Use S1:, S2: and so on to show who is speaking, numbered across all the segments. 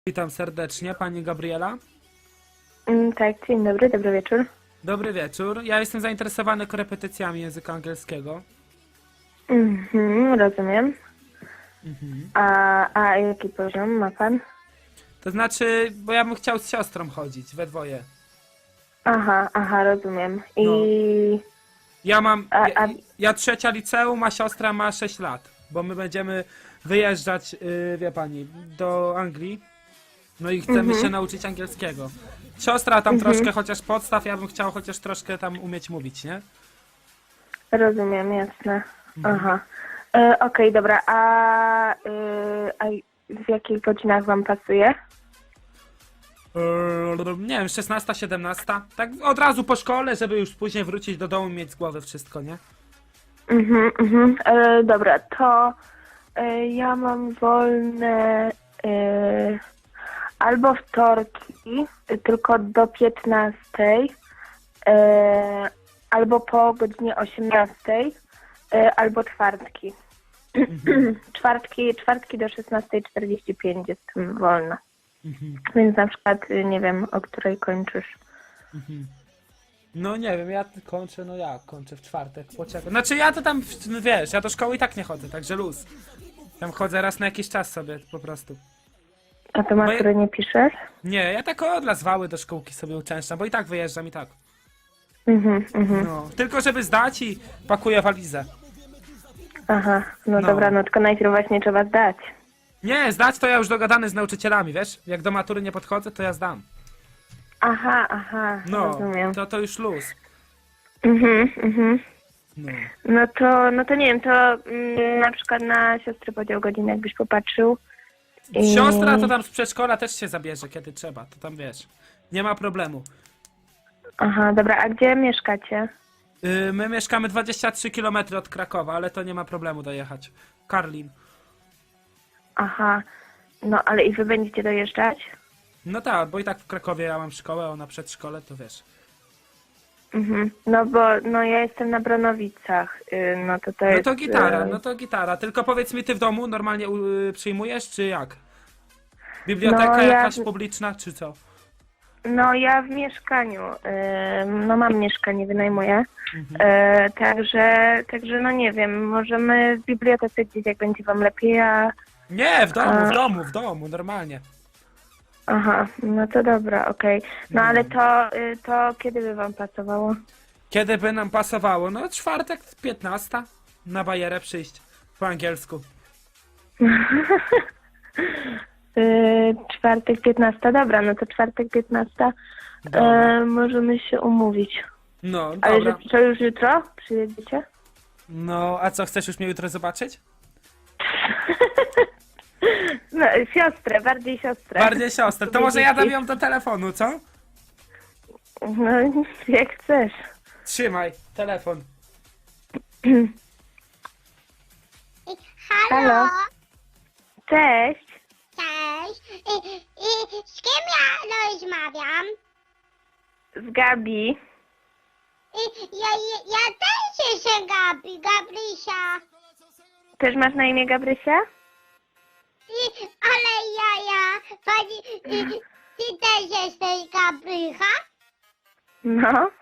S1: Witam serdecznie, pani Gabriela.
S2: Tak, dzień dobry, dobry wieczór.
S1: Dobry wieczór. Ja jestem zainteresowany korepetycjami języka angielskiego.
S2: Rozumiem. A jaki poziom ma pan?
S1: To znaczy, bo ja bym chciał z siostrą chodzić, we dwoje.
S2: Aha, rozumiem. I
S1: No. Ja mam,
S2: A-
S1: ja trzecia liceum, a siostra ma 6 lat. Bo my będziemy wyjeżdżać, wie pani, do Anglii. No i chcemy się nauczyć angielskiego. Siostra tam troszkę chociaż podstaw, ja bym chciał chociaż troszkę tam umieć mówić, nie?
S2: rozumiem, jasne. Aha. Okej, dobra, a w jakich godzinach wam pasuje?
S1: Nie wiem, 16, 17. Tak od razu po szkole, żeby już później wrócić do domu i mieć z głowy wszystko, nie?
S2: Dobra, to ja mam wolne albo wtorki, tylko do 15, albo po godzinie 18, albo czwartki. czwartki do 16:45 jestem wolna. Więc na przykład nie wiem, o której kończysz.
S1: No nie wiem, ja kończę, no jak, kończę w czwartek, poczekaj. Znaczy ja to tam, no wiesz, ja do szkoły i tak nie chodzę, także luz. Tam chodzę raz na jakiś czas sobie, po prostu.
S2: A to matury nie piszesz?
S1: Nie, ja tak od zwały do szkółki sobie uczęszczam, bo i tak wyjeżdżam i tak. No, tylko żeby zdać i pakuję walizę.
S2: Aha, no
S1: No.
S2: dobra, no tylko najpierw właśnie trzeba zdać.
S1: Nie, zdać to ja już dogadany z nauczycielami, wiesz? Jak do matury nie podchodzę, to ja zdam.
S2: Aha,
S1: No,
S2: rozumiem.
S1: to już luz. No.
S2: No to nie wiem, to na przykład na siostrę podział godzin jakbyś popatrzył.
S1: Siostra to tam z przedszkola też się zabierze, kiedy trzeba, to tam wiesz. Nie ma problemu.
S2: Aha, dobra, a gdzie mieszkacie?
S1: My mieszkamy 23 km od Krakowa, ale to nie ma problemu dojechać. Karlin.
S2: Aha, no ale i wy będziecie dojeżdżać?
S1: No tak, bo i tak w Krakowie ja mam szkołę, ona przedszkole, to wiesz.
S2: No bo no ja jestem na Bronowicach, no to
S1: No
S2: jest...
S1: to gitara, no to gitara. Tylko powiedz mi, ty w domu normalnie przyjmujesz, czy jak? Biblioteka
S2: No,
S1: jakaś publiczna, czy co?
S2: No ja w mieszkaniu, no mam mieszkanie, wynajmuję, także no nie wiem, możemy w bibliotece gdzieś, jak będzie wam lepiej,
S1: Nie, w domu, normalnie.
S2: Aha, no to dobra, okej. No ale to kiedy by wam pasowało?
S1: Kiedy by nam pasowało? No czwartek 15 na bajerę przyjść po angielsku.
S2: Czwartek 15, dobra, no to czwartek 15
S1: Dobra.
S2: możemy się umówić.
S1: No,
S2: Ale
S1: dobra.
S2: że co już jutro przyjedziecie?
S1: No, a co, chcesz już mnie jutro zobaczyć?
S2: No, siostrę, bardziej siostrę.
S1: Bardziej siostrę. To może ja dam ją do telefonu, co?
S2: No, jak chcesz.
S1: Trzymaj, telefon.
S2: Halo. Cześć.
S3: Cześć. Z kim ja rozmawiam?
S2: Z Gabi.
S3: Ja też jestem Gabrysia.
S2: Też masz na imię Gabrysia?
S3: Ale pani, ty też jesteś Gabrycha?
S2: No,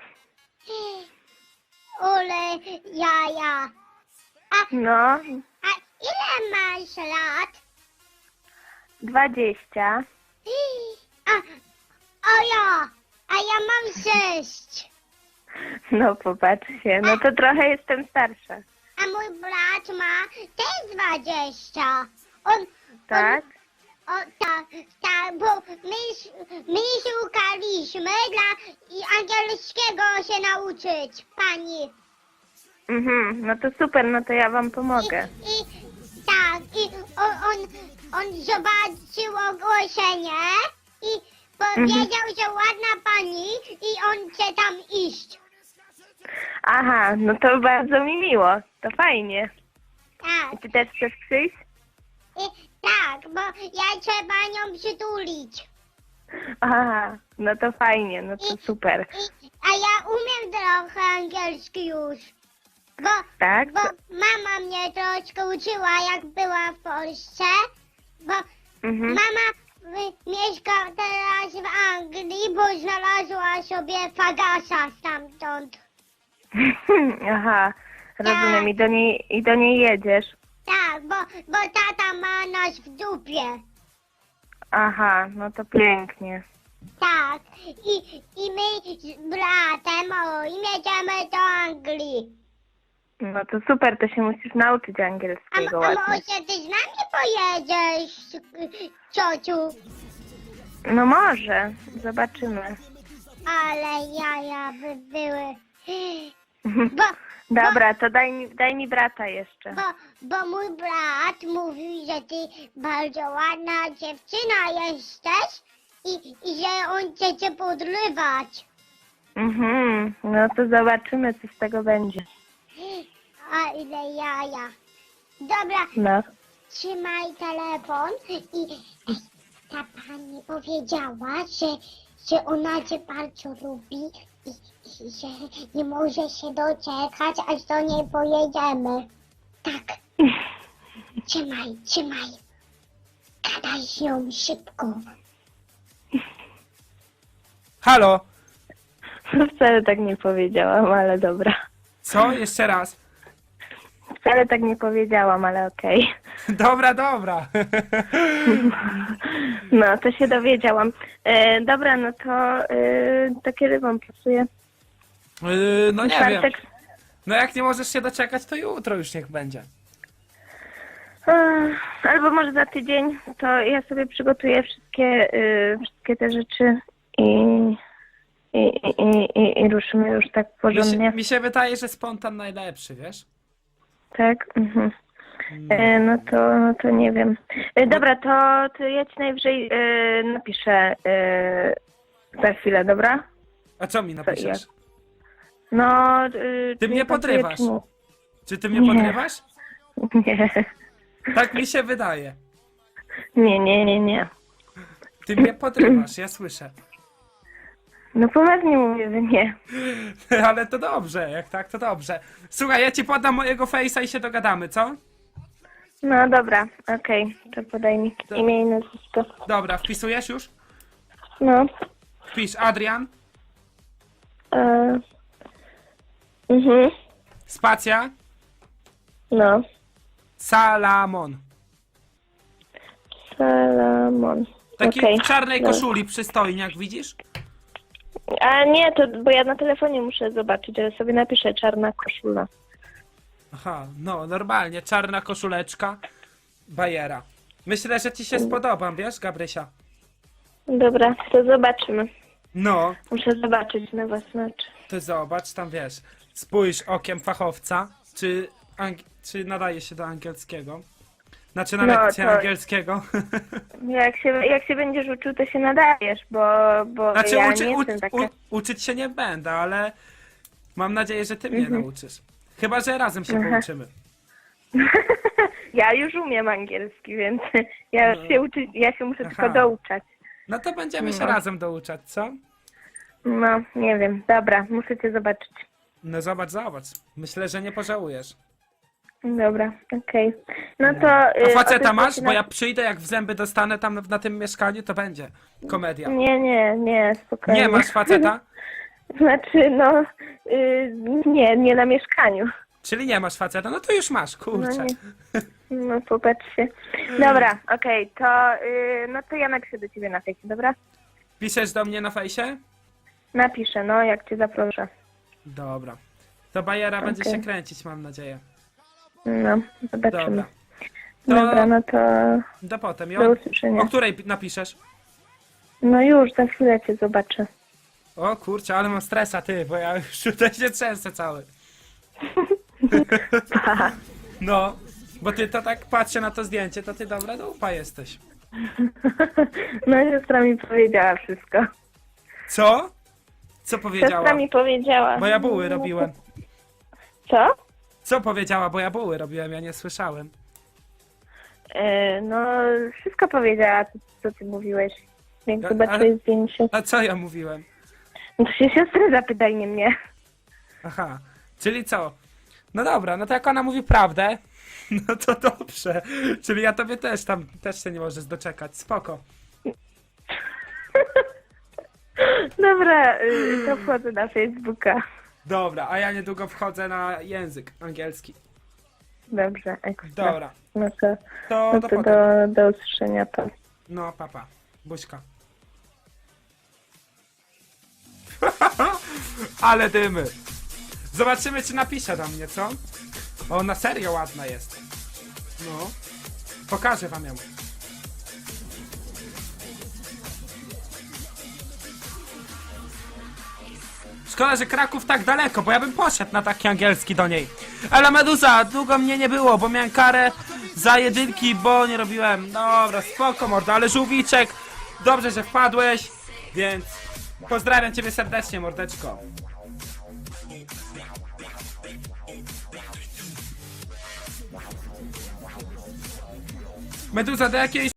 S3: Ale ja.
S2: no.
S3: A ile masz lat?
S2: 20.
S3: A ja mam 6.
S2: No popatrz się, no to trochę jestem starsza.
S3: A mój brat ma też 20.
S2: Tak?
S3: Tak, bo my szukaliśmy dla angielskiego się nauczyć, pani.
S2: No to super, no to ja wam pomogę.
S3: I on zobaczył ogłoszenie i powiedział, że ładna pani i on chce tam iść.
S2: Aha, no to bardzo mi miło, to fajnie.
S3: Tak,
S2: Ty też chcesz przyjść?
S3: tak, bo ja trzeba nią przytulić.
S2: Aha, no to fajnie, no to super.
S3: A ja umiem trochę angielski już.
S2: Tak?
S3: Bo mama mnie troszkę uczyła, jak była w Polsce, bo mama mieszka teraz w Anglii, bo znalazła sobie fagasa stamtąd.
S2: Aha, rozumiem. I do niej jedziesz.
S3: Tak, bo tata ma nas w dupie.
S2: Aha, no to pięknie.
S3: Tak, i my z bratem jedziemy do Anglii.
S2: No to super, to się musisz nauczyć angielskiego
S3: A
S2: ładnie.
S3: może ty z nami pojedziesz, ciociu?
S2: No może, zobaczymy.
S3: Ale jaja by były.
S2: Dobra, to daj mi brata jeszcze.
S3: Bo mój brat mówił, że ty bardzo ładna dziewczyna jesteś i że on chce podrywać.
S2: No to zobaczymy, co z tego będzie.
S3: A ile jaja. Dobra,
S2: No.
S3: trzymaj telefon i ta pani powiedziała, że ona cię bardzo lubi i że nie może się doczekać, aż do niej pojedziemy. Tak. Trzymaj. Gadaj z nią szybko.
S1: Halo?
S2: Wcale tak nie powiedziałam, ale dobra.
S1: Co? Jeszcze raz.
S2: Wcale tak nie powiedziałam, ale okej.
S1: Dobra.
S2: No, to się dowiedziałam. Dobra, no to kiedy wam pasuje?
S1: No nie wiem.
S2: Czwartek?
S1: No jak nie możesz się doczekać, to jutro już niech będzie.
S2: Albo może za tydzień, to ja sobie przygotuję wszystkie te rzeczy i ruszymy już tak porządnie.
S1: Mi się wydaje, że spontan najlepszy, wiesz?
S2: Tak? Mhm. No to nie wiem. Dobra, to ja ci najwyżej napiszę za chwilę, dobra?
S1: A co mi napiszesz?
S2: No...
S1: Ty mnie podrywasz. Czy ty mnie
S2: Nie.
S1: podrywasz?
S2: Nie.
S1: Tak mi się wydaje.
S2: Nie.
S1: Ty mnie podrywasz, ja słyszę.
S2: No poważnie mówię, że nie.
S1: Ale to dobrze, jak tak, to dobrze. Słuchaj, ja ci podam mojego face'a i się dogadamy, co?
S2: No dobra, okej. To podaj mi imię i nazwisko.
S1: Dobra, wpisujesz już?
S2: No.
S1: Wpisz Adrian, spacja,
S2: No.
S1: Salamon.
S2: Salamon.
S1: Taki
S2: Okej.
S1: w czarnej
S2: Dobra.
S1: koszuli, przystojniak, widzisz?
S2: A nie, to bo ja na telefonie muszę zobaczyć, ale sobie napiszę czarna koszula.
S1: Aha, no normalnie, czarna koszuleczka, bajera. Myślę, że ci się spodobam, wiesz, Gabrysia?
S2: Dobra, to zobaczymy.
S1: No,
S2: Muszę zobaczyć na własne oczy.
S1: ty zobacz, tam wiesz, spójrz okiem fachowca, czy nadaje się do angielskiego. Znaczy na
S2: No,
S1: lekcję
S2: to-
S1: angielskiego.
S2: Jak się będziesz uczył, to się nadajesz, bo
S1: Znaczy
S2: ja nie jestem taka...
S1: uczyć się nie będę, ale mam nadzieję, że ty mnie nauczysz. Chyba, że razem się
S2: Aha.
S1: pouczymy.
S2: Ja już umiem angielski, więc ja się muszę
S1: Aha.
S2: tylko douczać.
S1: No to będziemy się
S2: No.
S1: razem douczać, co?
S2: No, nie wiem. Dobra, muszę cię zobaczyć.
S1: No zobacz. Myślę, że nie pożałujesz.
S2: Dobra, okej. No to...
S1: A faceta
S2: odezwę
S1: masz?
S2: się
S1: Bo ja przyjdę, jak w zęby dostanę tam na tym mieszkaniu, to będzie komedia.
S2: Nie, spokojnie.
S1: Nie masz faceta?
S2: Znaczy, no... nie na mieszkaniu.
S1: Czyli nie masz faceta? No to już masz,
S2: No
S1: kurczę.
S2: nie. No popatrz się. Dobra, okej, to... no to ja napiszę do ciebie na fejsie, dobra?
S1: Piszesz do mnie na fejsie?
S2: Napiszę, no, jak cię zaproszę.
S1: Dobra. To bajera będzie
S2: Okej.
S1: się kręcić, mam nadzieję.
S2: No, zobaczymy.
S1: Dobra.
S2: Dobra, no to...
S1: Do potem.
S2: Do usłyszenia.
S1: O której napiszesz?
S2: No już, za chwilę cię zobaczę.
S1: O kurczę, ale mam stresa, ty, bo ja już tutaj się trzęsę cały.
S2: Pa.
S1: No, bo ty to tak patrzę na to zdjęcie, to ty dobra dupa jesteś.
S2: No siostra mi powiedziała wszystko.
S1: Co? Co powiedziała?
S2: Siostra mi powiedziała.
S1: Bo ja buły robiłem.
S2: Co?
S1: Co powiedziała, bo ja buły robiłem, ja nie słyszałem.
S2: No, wszystko powiedziała, co ty mówiłeś. Jak
S1: Ja-
S2: zobaczyłeś
S1: ale-
S2: zdjęcie.
S1: A co ja mówiłem?
S2: No to się siostry zapytaj, nie mnie.
S1: Aha, czyli co? No dobra, no to jak ona mówi prawdę, no to dobrze. Czyli ja tobie też się nie możesz doczekać, spoko.
S2: Dobra, to wchodzę na Facebooka.
S1: Dobra, a ja niedługo wchodzę na język angielski.
S2: Dobrze, ekstra.
S1: Dobra,
S2: No to,
S1: to
S2: no
S1: do
S2: to
S1: potem.
S2: do usłyszenia to.
S1: No, papa. Buźka. Ale dymy. Zobaczymy, czy napisze do mnie, co? O, ona serio ładna jest. No. Pokażę wam ją. Szkoda, że Kraków tak daleko, bo ja bym poszedł na taki angielski do niej. Ale Meduza, długo mnie nie było, bo miałem karę za jedynki, bo nie robiłem. Dobra, spoko mordo, ale żółwiczek, dobrze, że wpadłeś, więc pozdrawiam ciebie serdecznie, mordeczko. Meduza, do jakiejś